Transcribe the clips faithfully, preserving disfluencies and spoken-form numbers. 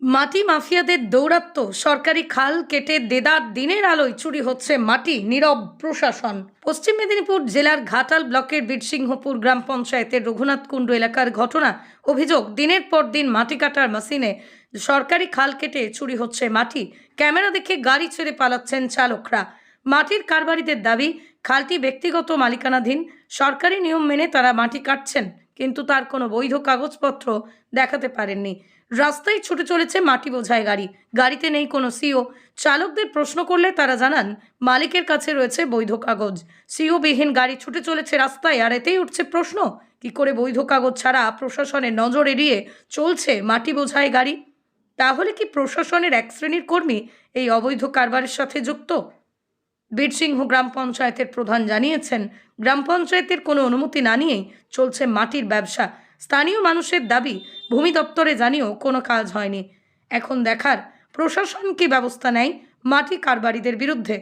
মাটি মাফিয়াদের দৌরাত্ম্য, সরকারি খাল কেটে দেদার দিনের আলোয় চুরি হচ্ছে মাটি, নীরব প্রশাসন। পশ্চিম মেদিনীপুর জেলার ঘাটাল ব্লকের বীরসিংহপুর গ্রাম পঞ্চায়েতের রঘুনাথকুণ্ড এলাকার ঘটনা। অভিযোগ, দিনের পর দিন মাটি কাটার মেশিনে সরকারি খাল কেটে চুরি হচ্ছে মাটি। ক্যামেরা দেখে গাড়ি ছেড়ে পালাচ্ছেন চালকরা। মাটির কারবারিদের দাবি, খালটি ব্যক্তিগত মালিকানাধীন, সরকারি নিয়ম মেনে তারা মাটি কাটছেন, কিন্তু তার কোনো বৈধ কাগজপত্র দেখাতে পারেননি। রাস্তায় ছুটে চলেছে মাটি বোঝাই গাড়ি, গাড়িতে নেই কোনো সিও। চালকদের প্রশ্ন করলে তারা জানান মালিকের কাছে রয়েছে বৈধ কাগজ। সিও বিহীন গাড়ি ছুটে চলেছে রাস্তায়, আর এতেই উঠছে প্রশ্ন, কি করে বৈধ কাগজ ছাড়া প্রশাসনের নজর এড়িয়ে চলছে মাটি বোঝাই গাড়ি? তাহলে কি প্রশাসনের এক শ্রেণীর কর্মী এই অবৈধ কারবারের সাথে যুক্ত? বীরসিংহ গ্রাম পঞ্চায়েতের প্রধান জানিয়েছেন, গ্রাম পঞ্চায়েতের কোনো অনুমতি না নিয়েই চলছে মাটির ব্যবসা। স্থানীয় মানুষের দাবি, ভূমি দপ্তরে জানিয়েও কোনো কাজ হয়নি। এখন দেখার প্রশাসন কি ব্যবস্থা নেয় মাটি কারবারিদের বিরুদ্ধে।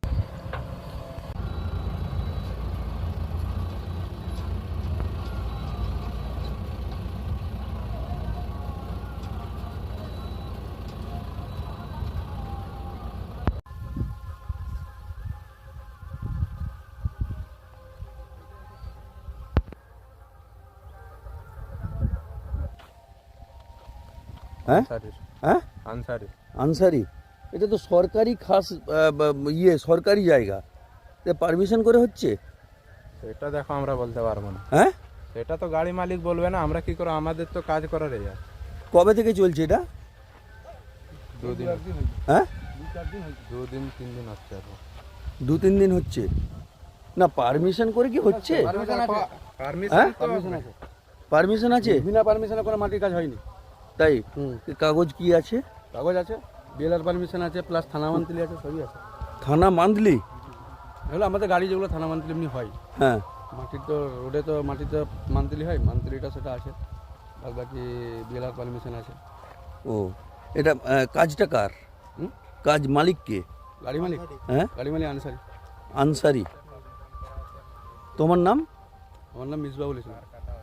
হ্যাঁ হ্যাঁ আনসারি আনসারি, এটা তো সরকারি খাস আহ, বা- ইয়ে সরকারি জায়গা, পারমিশন করে হচ্ছে। সেটা দেখো আমরা বলতে পারবো না, হ্যাঁ, সেটা তো গাড়ি মালিক বলবে না, আমরা কি করে, আমাদের তো কাজ করার এই আছে। কবে থেকে চলছে এটা? দুদিন হ্যাঁ, দুদিন তিন দিন হচ্ছে এখন। দু তিন দিন হচ্ছে না, পারমিশন করে কি হচ্ছে? হ্যাঁ? পারমিশন আছে, বিনা পারমিশনে কোনো মাটির কাজ হয়নি। তাই হুম। কি কাগজ কি আছে? কাগজ আছে, বিএলআর পারমিশন আছে, প্লাস থানা মান্থলি আছে, সবই আছে। থানা মান্থলি? এগুলো আমাদের গাড়ি যেগুলো থানা মান্থলি এমনি হয়, হ্যাঁ, মাটির তো রোডে তো মাটিতে মান্থলি হয়, মান্থলিটা সেটা আছে, আর বাকি বিএলআর পারমিশন আছে। ও, এটা আহ, কাজটা কার? হুম? কাজ মালিক কে? গাড়ি মালিক, হ্যাঁ, গাড়ি মালিক আনসারি। আনসারি। তোমার নাম? আমার নাম মিসবাউল ইসলাম।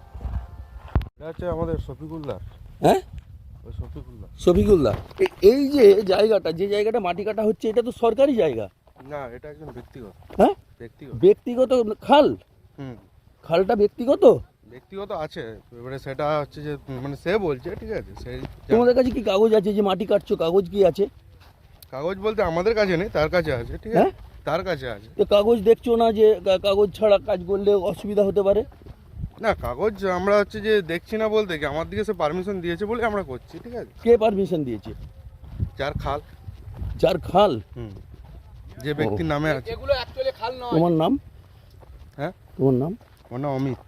এটা হচ্ছে আমাদের শফিকুল্লাহ। হ্যাঁ, ওই শফিকুল্লাহ শফিকুল্লাহ। এ- এই যে জায়গাটা, যে জায়গাটা মাটি কাটা হচ্ছে, এটা তো সরকারি জায়গা। না, এটা একজন ব্যক্তিগত হ্যাঁ, ব্যক্তিগত ব্যক্তিগত খাল? হুম খালটা ব্যক্তিগত? ব্যক্তিগত আছে, এবারে সেটা হচ্ছে যে মানে সে বলছে, ঠিক আছে, সেই তোমাদের কাছে কি কাগজ আছে যে মাটি কাটছো? কাগজ কি আছে? কাগজ বলতে আমাদের কাছে নেই, তার কাছে আছে, ঠিক হ্যাঁ? আছে, তার কাছে আছে। তো কাগজ দেখছো না যে কা- কাগজ ছাড়া কাজ করলে অসুবিধা হতে পারে? না, কাগজ আমরা হচ্ছে যে দেখছি না বলতে কি, আমার দিকে সে পারমিশন দিয়েছে বলে আমরা করছি, ঠিক আছে। কে পারমিশন দিয়েছে? যার খাল, যার খাল? হুম যে ব্যক্তির নামে আছে। এগুলো অ্যাকচুয়ালি খাল নয়। তোমার নাম? হ্যাঁ, তোমার নাম? ওর নাম অমিত।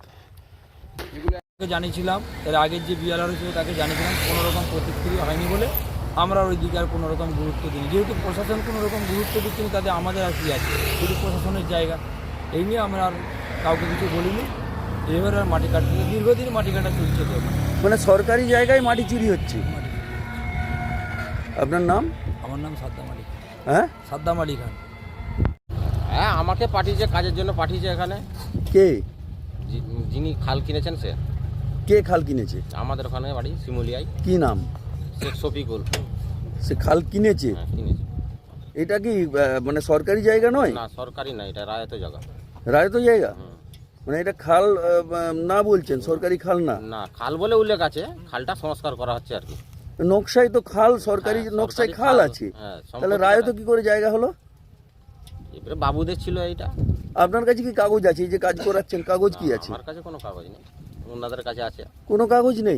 তাকে জানিয়েছিলাম, এর আগের যে বিআরআর ছিল তাকে জানিয়েছিলাম, কোনো রকম প্রতিক্রিয়া হয়নি বলে আমরা ওই দিকে আর কোনো রকম গুরুত্ব দিই। যেহেতু প্রশাসন কোনো রকম গুরুত্ব দিচ্ছে না, তাতে আমাদের আর কি আছে, শুধু প্রশাসনের জায়গা, এই নিয়ে আমরা আর কাউকে কিছু বলিনি। এবার আর মাটি কাটতে, দীর্ঘদিন মাটি কাটা চলছে তো। মানে সরকারি জায়গায় মাটি চুরি হচ্ছে। আপনার নাম? আমার নাম সাদ্দাম আলী খান। হ্যাঁ, সাদ্দাম আলী খান। হ্যাঁ, আমাকে পাঠিয়েছে, কাজের জন্য পাঠিয়েছে এখানে। কে যি- যিনি খাল কিনেছেন সে কে খাল কিনেছে? আমাদের ওখানে বাড়ি শিমুলিয়ায়, কি নাম? শেখ শফিকুল। সে খাল কিনেছে? হ্যাঁ, কিনেছে। এটা কি আহ, মানে সরকারি জায়গা নয়? না, সরকারি না, এটা রায়ত জায়গা। রায়ত জায়গা? হুম। মানে এটা খাল আহ, না বলছেন, সরকারি খাল না? না, খাল বলে উল্লেখ আছে, খালটা সংস্কার করা হচ্ছে আর কি। নকশায় তো খাল, সরকারি হ্যাঁ, নকশায় সরকারি খাল খাল, আছে, হ্যাঁ, তাহলে সম্পত্তি রায়ত খাল। কি করে জায়গা হলো? এবারে বাবুদের ছিল এইটা। আপনার কাছে কি কাগজ আছে? এই যে কাজ করাচ্ছেন, কাগজ কি না, আছে? আমার কাছে কোনো কাগজ নেই, ওনাদের কাছে আছে। কোনো কাগজ নেই?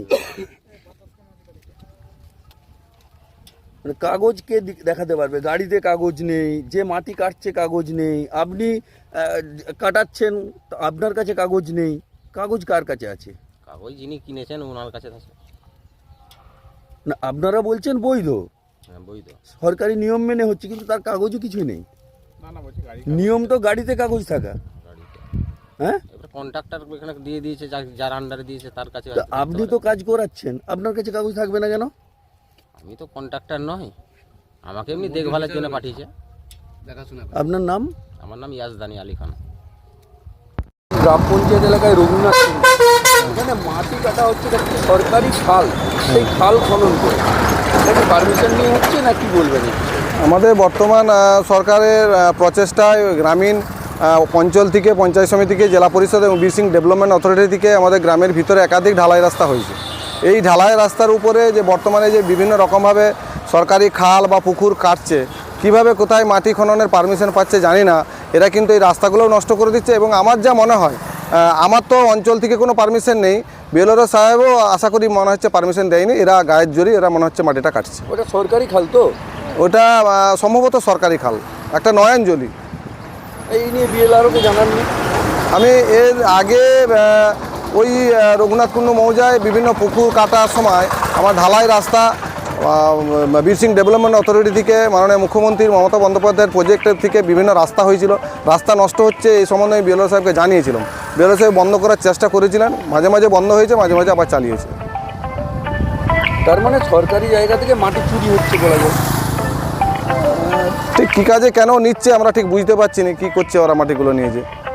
মানে কাগজ কে দি- দেখাতে পারবে? গাড়িতে কাগজ নেই, যে মাটি কাটছে কাগজ নেই, আপনি আহ, কাটাচ্ছেন, তো আপনার কাছে কাগজ নেই, কাগজ কার কাছে আছে? কাগজ যিনি কিনেছেন ওনার কাছে আছে। না, আপনারা বলছেন বৈধ, হ্যাঁ, বৈধ। সরকারি নিয়ম মেনে হচ্ছে, কিন্তু তার কাগজও কিছুই নেই। নিয়ম তো গাড়িতে কাগজ থাকা। গাড়িতে হ্যাঁ, এবারে কন্ট্রাক্টর এখানে দিয়ে দিয়েছে, যার- যার আন্ডারে দিয়েছে তার কাছে তো হয়তো থাকতে আপনি পারে। তো কাজ করাচ্ছেন, আপনার কাছে কাগজ থাকবে না কেন? আমি তো কন্ট্রাক্টর নই, আমাকে এমনি দেখভালের জন্য পাঠিয়েছে। দেখাশোনা আপনার নাম? আমার নাম ইয়াজদানি আলী খান। গ্রাম পঞ্চায়েত এলাকায় রঘুনাথ, এখানে মাটি কাটা হচ্ছে, এটা হচ্ছে সরকারি খাল, সেই খাল খনন করে সরকারের পারমিশন নিয়ে হচ্ছে না কি বলবেন এই বিষয়ে? আমাদের বর্তমান আহ, সরকারের আহ, প্রচেষ্টায় গ্রামীণ আহ, অঞ্চল থেকে পঞ্চায়েত সমিতি থেকে জেলা পরিষদ এবং বীরসিং ডেভেলপমেন্ট অথরিটি থেকে আমাদের গ্রামের ভিতরে একাধিক ঢালাই রাস্তা হয়েছে। এই ঢালাই রাস্তার উপরে যে বর্তমানে যে বিভিন্ন রকমভাবে সরকারি খাল বা পুকুর কাটছে, কিভাবে কোথায় মাটি খননের পারমিশন পাচ্ছে জানি না, এরা কিন্তু এই রাস্তাগুলোও নষ্ট করে দিচ্ছে। এবং আমার যা মনে হয়, আহ, আমার তো অঞ্চল থেকে কোনো পারমিশন নেই, বিএলআরও সাহেবও আশা করি মনে হচ্ছে পারমিশন দেয়নি, এরা গায়ের জোরে এরা মনে হচ্ছে মাটিটা কাটছে। ওটা সরকারি খাল তো? ওটা আহ, সম্ভবত সরকারি খাল, একটা নয়নজলি। এই নিয়ে বিএলআরওকে জানাননি? আমি এর আগে আহ, ওই আহ, রঘুনাথ কুণ্ডু মৌজায় বিভিন্ন পুকুর কাটার সময় আমার ঢালাই রাস্তা বীরসিং ডেভেলপমেন্ট অথরিটি থেকে মাননীয় মুখ্যমন্ত্রী মমতা বন্দ্যোপাধ্যায়ের প্রজেক্টের থেকে বিভিন্ন রাস্তা হয়েছিল, রাস্তা নষ্ট হচ্ছে এই সম্বন্ধে আমি বিএলআর সাহেবকে জানিয়েছিলাম। বিএলআর সাহেব বন্ধ করার চেষ্টা করেছিলেন, মাঝে মাঝে বন্ধ হয়েছে, মাঝে মাঝে আবার চালিয়েছে। তার মানে সরকারি জায়গা থেকে মাটি চুরি হচ্ছে বলা যায়। ঠিক কী কাজে কেন নিচ্ছে আমরা ঠিক বুঝতে পারছি না, কী করছে ওরা মাটিগুলো নিয়ে যে।